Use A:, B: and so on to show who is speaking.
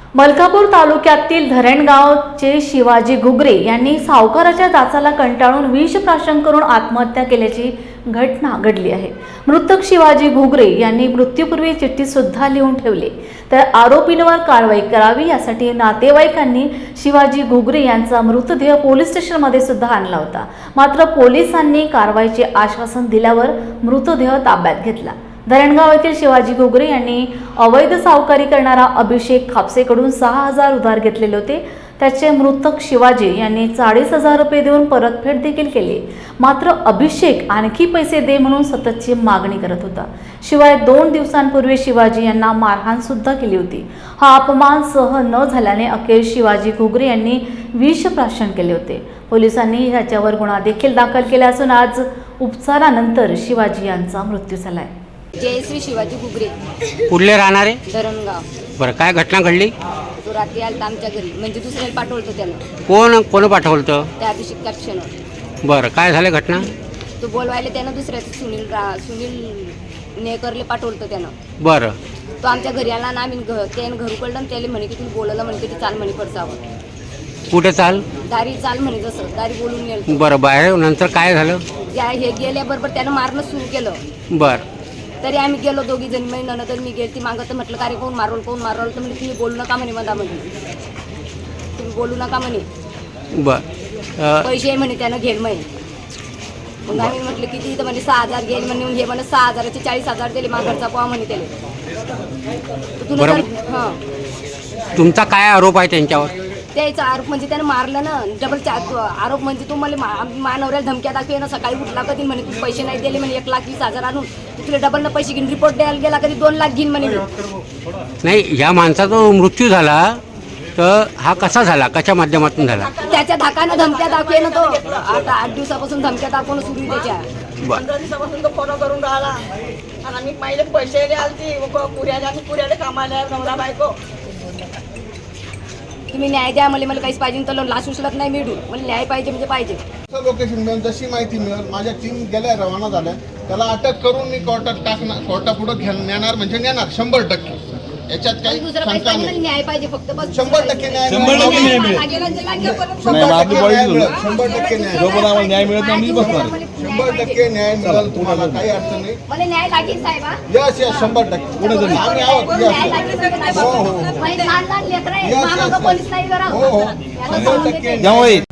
A: मलकापूर तालुक्यातील धरणगावचे शिवाजी घुगरे यांनी सावकाराच्या जाचाला कंटाळून विष प्राशन करून आत्महत्या केल्याची घटना घडली आहे। मृतक शिवाजी घुगरे यांनी मृत्यूपूर्वी चिठ्ठी सुद्धा लिहून ठेवली, तर आरोपींवर कारवाई करावी यासाठी नातेवाईकांनी शिवाजी घुगरे यांचा मृतदेह पोलीस स्टेशनमध्ये सुद्धा आणला होता। मात्र पोलिसांनी कारवाईचे आश्वासन दिल्यावर मृतदेह ताब्यात घेतला। धरणगाव येथील शिवाजी घुगरे यांनी अवैध सावकारी करणारा अभिषेक खापसेकडून 6,000 उधार घेतलेले होते। त्याचे मृतक शिवाजी यांनी 40,000 रुपये देऊन परतफेड देखील केली। मात्र अभिषेक आणखी पैसे दे म्हणून सततची मागणी करत होता। शिवाय 2 दिवसांपूर्वी शिवाजी यांना मारहाण सुद्धा केली होती। हा अपमान सहन न झाल्याने अखेर शिवाजी घुगरे यांनी विष प्राशन केले होते। पोलिसांनी याच्यावर गुन्हा देखील दाखल केला असून आज उपचारानंतर शिवाजी यांचा मृत्यू झालाय।
B: जयश्री शिवाजी घुगरे,
C: कुठले राहणारे?
B: धरणगाव।
C: बरं, काय घटना घडली?
B: तो रात्री आलता आमच्या घरी, म्हणजे दुसऱ्याला पाठवलं त्यानं।
C: कोण पाठवलं?
B: त्या अभिषेक कॅप्शनवर।
C: बरं, काय झालं घटना?
B: तो बोलवायला त्यानं दुसऱ्याचं सुनील नेकरले पाठवलं त्यानं।
C: बरं,
B: तो आमच्या घरी आला ना, आम्ही त्यानं घर उघडलं आणि त्याला म्हणे की तुम्ही बोलवलं म्हणे की चाल म्हणे पडसावं।
C: कुठे चाल?
B: दारी चाल म्हणे, जसं दारी बोलून गेलं।
C: बरं, बाहेर नंतर काय झालं?
B: हे गेल्याबरोबर त्यानं मारणं सुरू केलं।
C: बरं,
B: तरी आम्ही गेलो दोघी जण, मी नंतर मी गेली ती मागं, तर म्हटलं का रे कोण मारवलं तर म्हणजे तुम्ही बोलू नका म्हणे मधामध्ये, तुम्ही बोलू नका म्हणे।
C: बरं,
B: पैसे म्हणे त्यानं घेईल म्हणे। मग आम्ही म्हटलं किती, तर म्हणजे 6,000 घेईल म्हणे। घे म्हणे 6,000चे 40,000 दिले, माघारचा पोहा म्हणे त्याला। तुला हां,
C: तुमचा काय आरोप आहे त्यांच्यावर?
B: त्याचा आरोप म्हणजे त्यानं मारलं ना, डबल आरोप म्हणजे तू मला मानवऱ्याला धमक्या दाखवे ना, सकाळी उठला कधी म्हणे तू पैसे नाही दिले म्हणे, 1,20,000 आणून तुला डबल ना पैसे घेऊन रिपोर्ट द्यायला गेला कधी 2 लाख घेईन म्हणे।
C: नाही, ह्या माणसाचा मृत्यू झाला तर हा कसा झाला, कशा माध्यमातून झाला?
B: त्याच्या धाकानं धमक्या दाखवे ना तो। आता 8 दिवसापासून धमक्या दाखवणं सुरू आहे त्याच्या।
D: 15 दिवसापासून तो फोन करून राहिला आणि आम्ही पहिले पैसे आलती पुऱ्याला कामाला नवरा बायको।
B: तुम्ही न्याय द्या मला, काहीच पाहिजे तर लाच उचलत नाही मिळू, मला न्याय पाहिजे म्हणजे पाहिजे।
E: लोकेशन मिळून जशी माहिती मिळेल, माझ्या टीम गेल्या रवाना झाल्या, त्याला अटक करून मी कोर्टापुढे नेणार म्हणजे नेणार 100%। याच्यात काही शंका नाही।
B: न्याय पाहिजे फक्त,
E: 100% न्याय मिळेल।
F: 100% न्याय मिळेल.
E: 100% न्याय मिळेल। 100% न्याय मिळेल तुम्हाला, काही अडचण नाही।
B: मला न्याय लागेल साहेब।
E: यस 100%। आम्ही आहोत।
B: लहान लहान लेकरं आहेत, पोलीस नाही जरा।
E: 100%
F: त्यामुळे